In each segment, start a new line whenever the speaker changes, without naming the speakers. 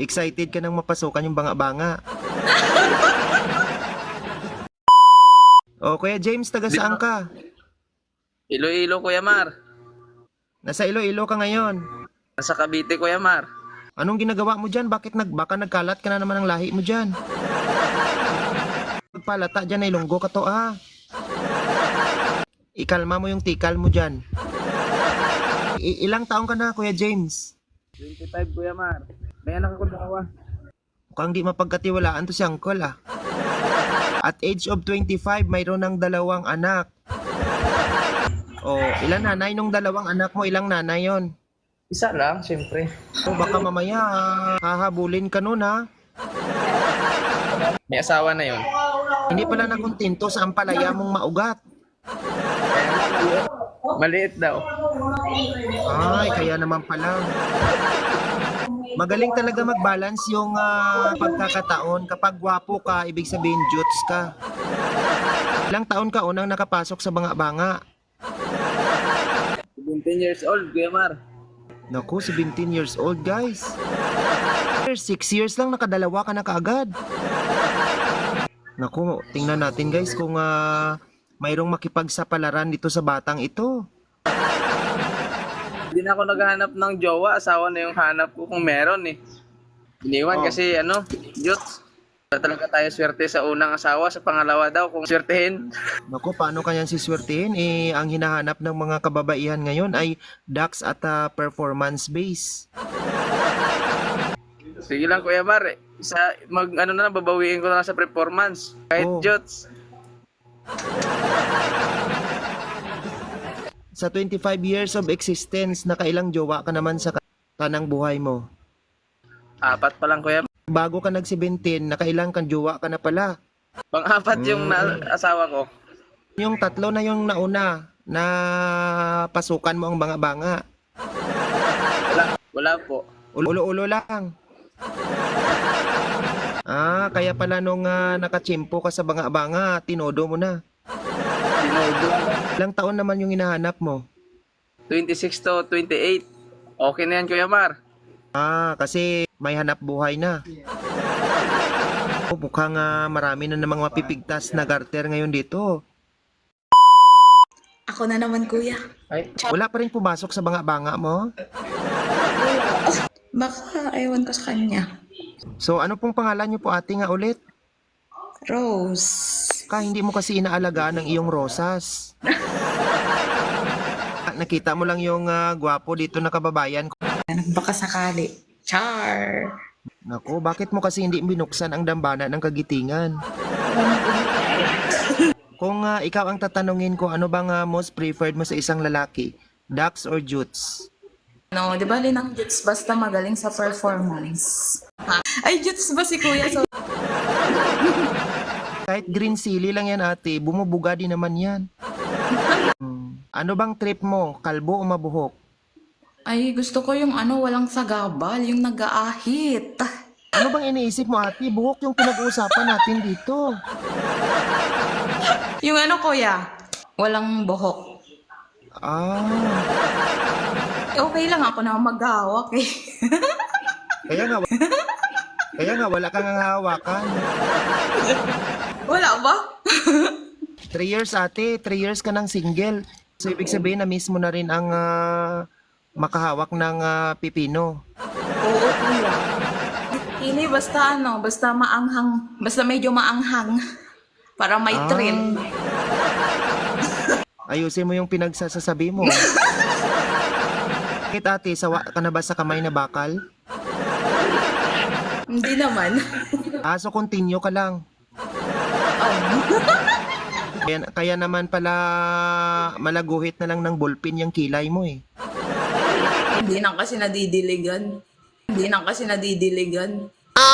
Excited ka nang mapasukan yung banga-banga. O, Kuya James, taga saan ka?
Iloilo, Kuya Mar.
Nasa Iloilo ka ngayon.
Nasa Cavite, Kuya Mar.
Anong ginagawa mo dyan? Bakit baka nagkalat ka na naman ng lahi mo dyan? Pagpalata dyan ay lunggo ka to, ha? Ikalma mo yung tikal mo dyan. Ilang taong ka na, Kuya James?
25, Kuya Mar. May anak ako dalawa.
Mukhang di mapagkatiwalaan to si Uncle, ah. At age of 25, mayroon ng 2 anak. O, ilan nanay nung 2 anak mo? Ilang nanay yon?
Isa lang, siyempre.
O, baka mamaya hahabulin ka nun, ha?
May asawa na yon.
Hindi pala nakontento sa ampalaya mong maugat.
Maliit daw.
Ay, kaya naman pala. Magaling talaga mag-balance yung pagkakataon. Kapag gwapo ka, ibig sabihin jutes ka. Ilang taon ka unang nakapasok sa banga-banga?
17 years old, Kuya Mar.
Naku, 17 years old, guys. 6 years lang, nakadalawa ka na kaagad. Naku, tingnan natin, guys, kung mayroong makipagsapalaran dito sa batang ito.
Hindi na ako naghahanap ng jowa. Asawa na yung hanap ko kung meron eh. Iniwan kasi Diyos. Talaga tayo swerte sa unang asawa. Sa pangalawa daw kung swertehin.
Naku, paano kanyang siswertihin? Ang hinahanap ng mga kababaihan ngayon ay ducks at performance base.
Sige lang, Kuya Mar. Babawiin ko na lang sa performance. Kahit Diyos.
Sa 25 years of existence, nakailang jowa ka naman sa kanang buhay mo?
4 pa lang, Kuya.
Bago ka nag-17, nakailang kang jowa ka na pala.
Pang-4 yung asawa ko.
Yung 3 na yung nauna na pasukan mo ang banga-banga.
Wala po.
Ulo-ulo lang. Kaya pala nung nakachimpo ka sa banga-banga, tinodo mo na.
Tinodo.
Ilang taon naman yung hinahanap mo?
26 to 28. Okay na yan, Kuya Mar.
Kasi may hanap buhay na. Mukhang marami na namang mapipigtas na garter ngayon dito.
Ako na naman, kuya.
Ay,
Wala pa rin pumasok sa banga-banga mo?
Baka ewan ko sa kanya.
So ano pong pangalan niyo po ate nga ulit?
Rose.
Hindi mo kasi inaalagaan ng iyong rosas. Nakita mo lang yung gwapo dito na kababayan ko.
Baka sakali. Char.
Naku, bakit mo kasi hindi binuksan ang dambana ng kagitingan? Kung ikaw ang tatanungin ko, ano bang most preferred mo sa isang lalaki? Ducks or jutes?
No, di ba linang Jutes basta magaling sa performance? Ay, Jutes ba si kuya? So,
Kahit green silly lang yan ate, bumubuga din naman yan. Ano bang trip mo? Kalbo o mabuhok?
ay, gusto ko yung walang sagabal, yung nag-aahit.
Ano bang iniisip mo ate? Buhok yung pinag-uusapan natin dito.
Yung kuya? Walang buhok. Okay lang ako na maghahawak eh.
Kaya nga wala kang hawakan.
Wala ba?
3 years ate, 3 years ka ng single. So ibig sabihin na mismo na rin ang makahawak ng pipino.
Oo, kuya. Hindi, basta maanghang, basta medyo maanghang. Para may trend.
Ayusin mo yung pinagsasasabi mo. Bakit ate, sawa ka na ba sa kamay na bakal?
Hindi naman.
So continue ka lang. Kaya naman pala malaguhit na lang ng ballpen yung kilay mo eh.
Hindi na kasi nadidiligan.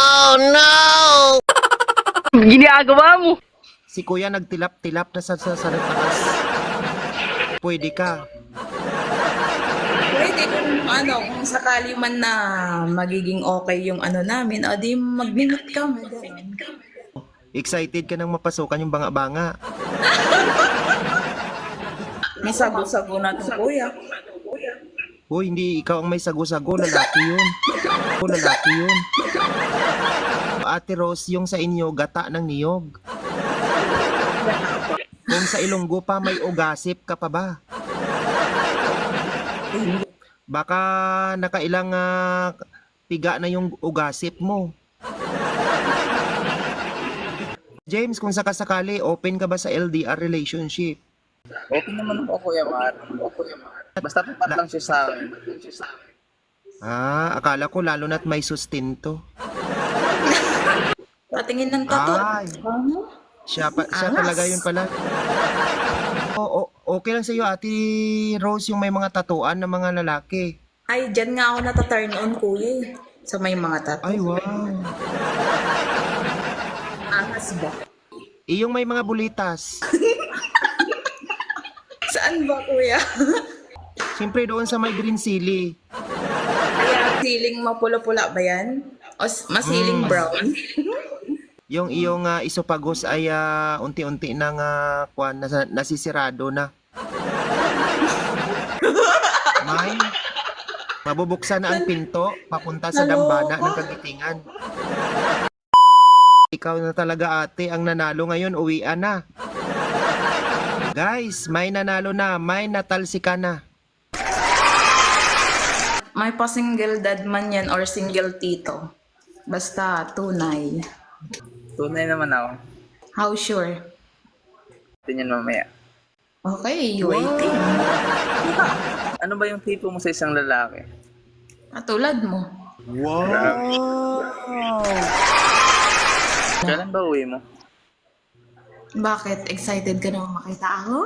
ginagawa mo.
Si kuya nagtilap-tilap na sa taas. Pwede ka.
Pwede kung sakali man na magiging okay yung namin, di mag-minute ka, madam.
Excited ka nang mapasukan yung banga-banga.
May sago-sago na to, kuya.
Hoy, hindi ikaw ang may sago-sago, lalaki yun. O lalaki yun. Ate Rose, yung sa inyo, gata ng niyog. Kung sa Ilonggo pa, may ugasip ka pa ba? Baka nakailang piga na yung ugasip mo. James, kung sakasakali, open ka ba sa LDR relationship?
Okay naman ako, Kuya Mar. Basta tapat lang siya sa akin.
Akala ko lalo na't may sustento.
Patingin ng tato.
Ay. Siya talaga yun pala. Okay lang sa iyo, Ate Rose, yung may mga tatuan ng mga lalaki.
Ay, dyan nga ako nata-turn on, kuya eh. Sa may mga tato.
Ay, wow.
Angas ba?
Yung may mga bulitas.
Saan ba, kuya?
Siyempre doon sa may green silly.
Kaya siling mapula-pula ba yan? O masiling brown?
Yung iyong isopagos ay unti-unti nang nasisirado na. May mabubuksan na ang pinto papunta sa dambana ng kagitingan. Ikaw na talaga, ate, ang nanalo ngayon. Uwian na. Guys, may nanalo na. May natalsika na.
May pa-single dad man yan or single tito. Basta tunay.
Tunay naman ako.
How sure?
Tingnan mamaya.
Okay, waiting.
Ano ba yung tipo mo sa isang lalaki?
Katulad mo.
Kailan ba uwi mo?
Bakit? Excited ka naman makita ako?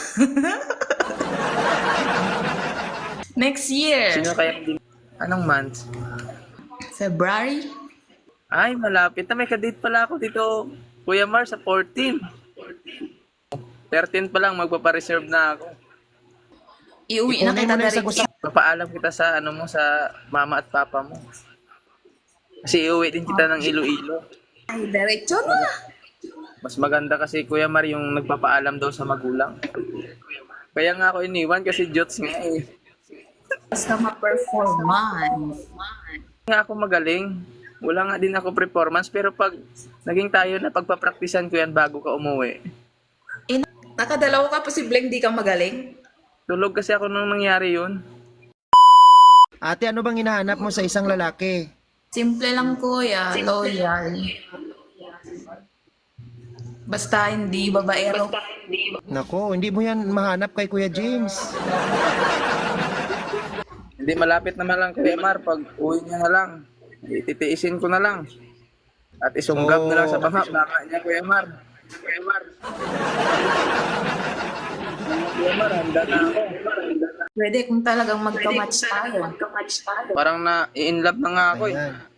Next year.
Sino kaya hindi? Anong month?
February?
Ay, malapit na. May kadate pala ako dito, Kuya Mar, sa 14. 13 pa lang, magpapareserve na ako.
Iuwi na kita direct.
Papaalam kita sa ano mo, sa mama at papa mo. Kasi iuwi din kita ng Iloilo.
Ay, diretso na.
Mas maganda kasi, Kuya Mar, yung nagpapaalam daw sa magulang. Kaya nga ako iniwan kasi jots nga eh.
Basta ma-performance.
Nga ako magaling. Wala nga din ako performance, pero pag naging tayo na pagpapraktisan ko yan bago ka umuwi.
Nakadalawa ka, posibleng di ka magaling.
Tulog kasi ako nung nangyari yun.
Ate, ano bang hinahanap mo sa isang lalaki?
Simple lang, kuya. Loyal. Basta hindi babaero.
Nako, hindi mo yan mahanap kay Kuya James.
Hindi, malapit naman lang, Kuya Mar. Pag uwi niya na lang, ititiisin ko na lang. At isunggab na lang sa baka niya, Kuya Mar. Kuya Mar, handa na ako.
Pwede kung talagang magka-match tayo.
Parang na-in love na nga ako eh.
Ayan.